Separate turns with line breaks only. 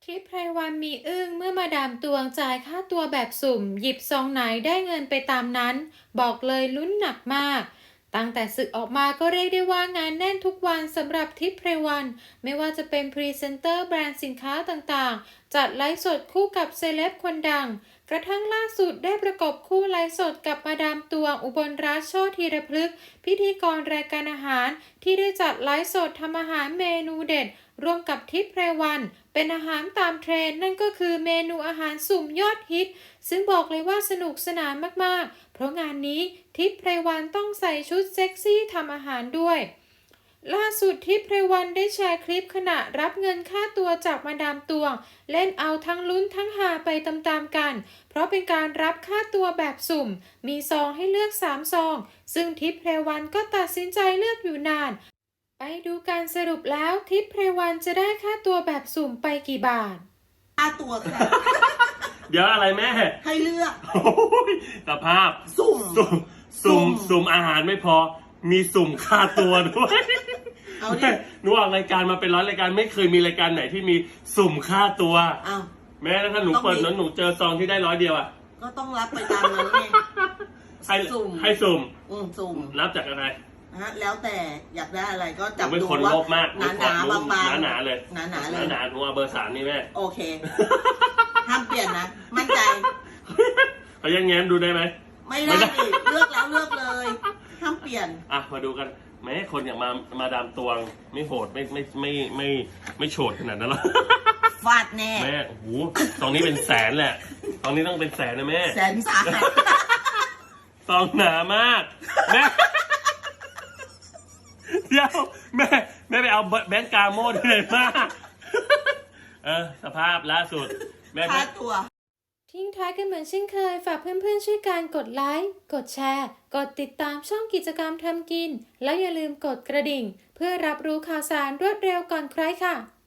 ทิพย์ไพรวันมีอึ้งเมื่อมาดามตวงจ่ายค่าตัวแบบสุ่มหยิบซองไหนได้เงินไปตามนั้นบอกเลยลุ้นหนักมากตั้งแต่ศึกออกมาก็เรียกได้ว่างานแน่นทุกวันสำหรับทิพย์ไพรวันไม่ว่าจะเป็นพรีเซนเตอร์แบรนด์สินค้าต่างๆจัดไลฟ์สดคู่กับเซเลบคนดังกระทั่งล่าสุดได้ประกบคู่ไลฟ์สดกับมาดามตวงอุบลรัตน์โชติธีรพฤกษ์พิธีกรรายการอาหารที่ได้จัดไลฟ์สดทำอาหารเมนูเด็ดร่วมกับทิพย์ไพรวันเป็นอาหารตามเทรนด์นั่นก็คือเมนูอาหารสุ่มยอดฮิตซึ่งบอกเลยว่าสนุกสนานมากๆเพราะงานนี้ทิพย์ไพรวันต้องใส่ชุดเซ็กซี่ทำอาหารด้วยล่าสุดทิพย์ไพรวันได้แชร์คลิปขณะรับเงินค่าตัวจากมาดามตวงเล่นเอาทั้งลุ้นทั้งหาไปตามๆกันเพราะเป็นการรับค่าตัวแบบสุ่มมีซองให้เลือก3ซองซึ่งทิพย์ไพรวันก็ตัดสินใจเลือกอยู่นานไปดูการสรุปแล้วทิพย์ไพรวันจะได้ค่าตัวแบบสุ่มไปกี่บาท
ค่าตัวค่ะ
เดี๋ยวอะไรแม่
ให้เลือก
โอ้ยสภาพสุ่มอาหารไม่พอมีสุ่มค่าตัวด้วย
เอาดิ
หนูออกรายการมาเป็นร้อยรายการไม่เคยมีรายการไหนที่มีสุ่มค่าตัว
อ้าว
แม้ถ้าหนูเปิดนั้นหนูเจอซองที่ได้100 เดียวอ่ะ
ก็ต้องรับไปตามนั้นไง
ให้
สุ่มสุ่ม
รับจากอะไร
นะแล้วแต่อยากได้อะไรก็จับ
ดูว่าเป็นคนโลภมาก
หนาบาง
หนาเลย
หนาเลย
หนาหนูเอาเบอร์3นี่แม่
โอเคห้ามเปลี่ยนนะมั่นใจ
เขายังแง้มดูได้ไหม
ไม่ได้เลือกแล้วเลือกเลยห้ามเปลี่ยน
อ่ะมาดูกันแม้คนอย่างมาดามตวงไม่โหดไม่โฉดขนาดนั้นหรอก
ฟาดแน่
แม่โอ้โหตรงนี้เป็นแสนแหละตรงนี้ต้องเป็นแสนนะแม่
แสนสาหัส
ซองหนามากแม่เดี๋ยวแม่ไปเอาแบงก์กาโม่ที่ไหนมาสภาพล่าสุดแม่
ค่าตัว
ทิ้งท้ายกันเหมือนเช่นเคยฝากเพื่อนๆช่วยการกดไลค์กดแชร์กดติดตามช่องกิจกรรมทำกินแล้วอย่าลืมกดกระดิ่งเพื่อรับรู้ข่าวสารรวดเร็วก่อนใครค่ะ